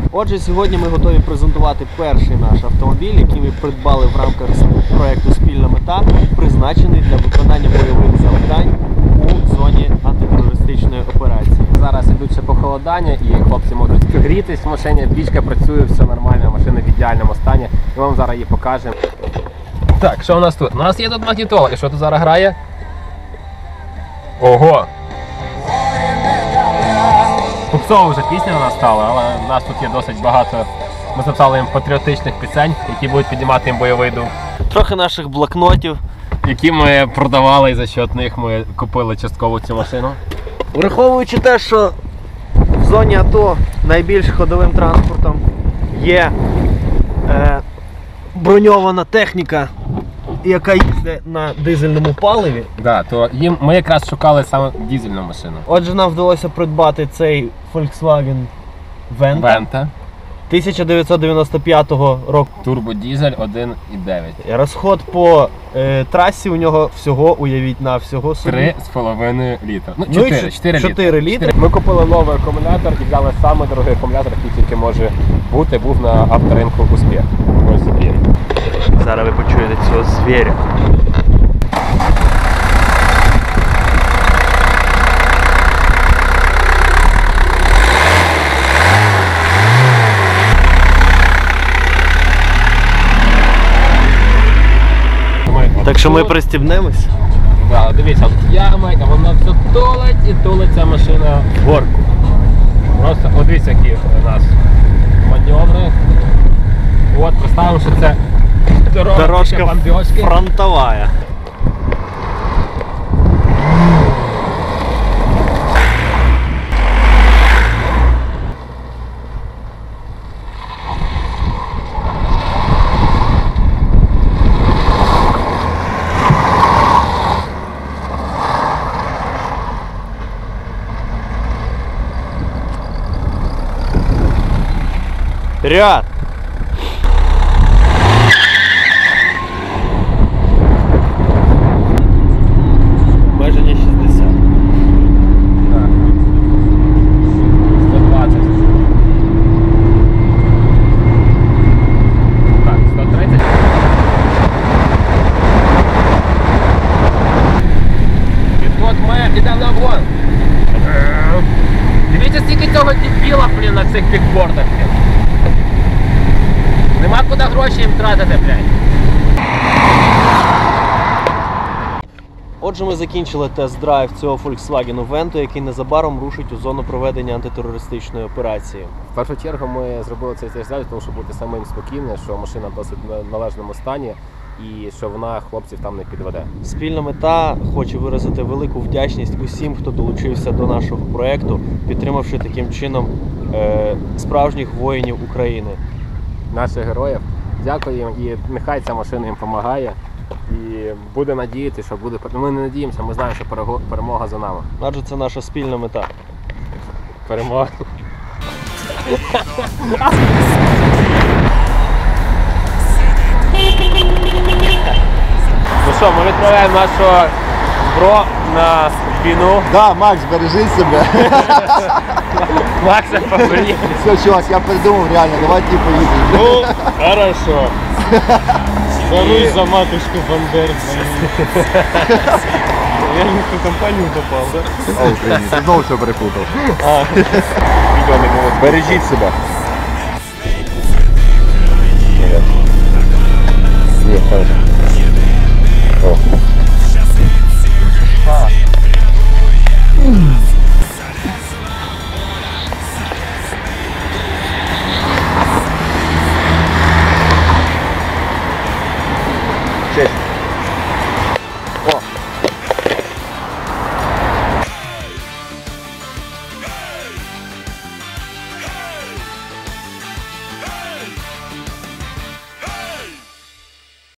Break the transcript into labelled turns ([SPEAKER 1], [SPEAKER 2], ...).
[SPEAKER 1] Отже, сьогодні ми готові презентувати перший наш автомобіль, який ми придбали в рамках проєкту «Спільна мета», призначений для виконання бойових завдань у зоні антитерористичної операції.
[SPEAKER 2] Зараз ідуть ще похолодання і хлопці можуть грітись в машині, пічка працює, все нормально, машина в ідеальному стані. І вам зараз її покажемо. Так, що у нас тут? У нас є тут магнітола. І що тут зараз грає? Ого! Попсова вже пісня у нас стала, але у нас тут є досить багато. Ми записали їм патріотичних пісень, які будуть піднімати їм бойовий дух.
[SPEAKER 1] Трохи наших блокнотів,
[SPEAKER 2] Які ми продавали і за счет них ми купили частково цю машину.
[SPEAKER 1] Враховуючи те, що в зоні АТО найбільш ходовим транспортом є броньована техніка, яка їздить на дизельному паливі.
[SPEAKER 2] Да, то ми якраз шукали саме дизельну машину.
[SPEAKER 1] Отже, нам вдалося придбати цей Volkswagen Venta 1995 року.
[SPEAKER 2] Турбодизель 1,9.
[SPEAKER 1] Розход по трасі у нього всього, уявіть, на всього собі
[SPEAKER 2] 3,5 літра. Ну,
[SPEAKER 1] 4 літри.
[SPEAKER 2] Ми купили новий акумулятор і взяли самий дорогий акумулятор, який тільки може бути, був на авторинку «Успіх». Ось він.
[SPEAKER 1] Зараз ви почуєте цього звіря. Так що ми пристібнемось?
[SPEAKER 2] Да, дивіться, от яма, а вона все тулить і тулить ця машина в горку. Просто от дивіться, які у нас маневри. От, представимо, що це
[SPEAKER 1] Дорожка
[SPEAKER 2] бомбежки.
[SPEAKER 1] фронтовая. Вперед! Обмеження 60.
[SPEAKER 2] Так. 120. Так, 130. І от ми йдемо на вон. Дивіться, скільки цього дебіла, блін, на цих бікбордах. Нема куди гроші їм тратити, блядь.
[SPEAKER 1] Отже, ми закінчили тест-драйв цього Volkswagen Vento, який незабаром рушить у зону проведення антитерористичної операції.
[SPEAKER 2] В першу чергу ми зробили цей тест-драйв, тому щоб бути самим спокійним, що машина в досить належному стані і що вона хлопців там не підведе.
[SPEAKER 1] Спільна мета хоче виразити велику вдячність усім, хто долучився до нашого проєкту, підтримавши таким чином справжніх воїнів України.
[SPEAKER 2] Наших героїв. Дякую їм і нехай ця машина їм допомагає. І буде надіяти, що буде. Ми не надіємося, ми знаємо, що перемога за нами.
[SPEAKER 1] Адже це наша спільна мета.
[SPEAKER 2] Перемога. Ну що, ми відправляємо нашого бро на війну.
[SPEAKER 3] Да, Макс, бережи себе.
[SPEAKER 2] Макса поберіг.
[SPEAKER 3] Все, чувак, я придумав реально, давай ти поїдемо.
[SPEAKER 4] Ну, хорошо. Борусь за матушку Бандер. Я не в ту компанию попал, да?
[SPEAKER 3] О, Україні, ти знову все перепутав.
[SPEAKER 4] Відео не було.
[SPEAKER 3] Бережіть себе. Ні, хорошо. О.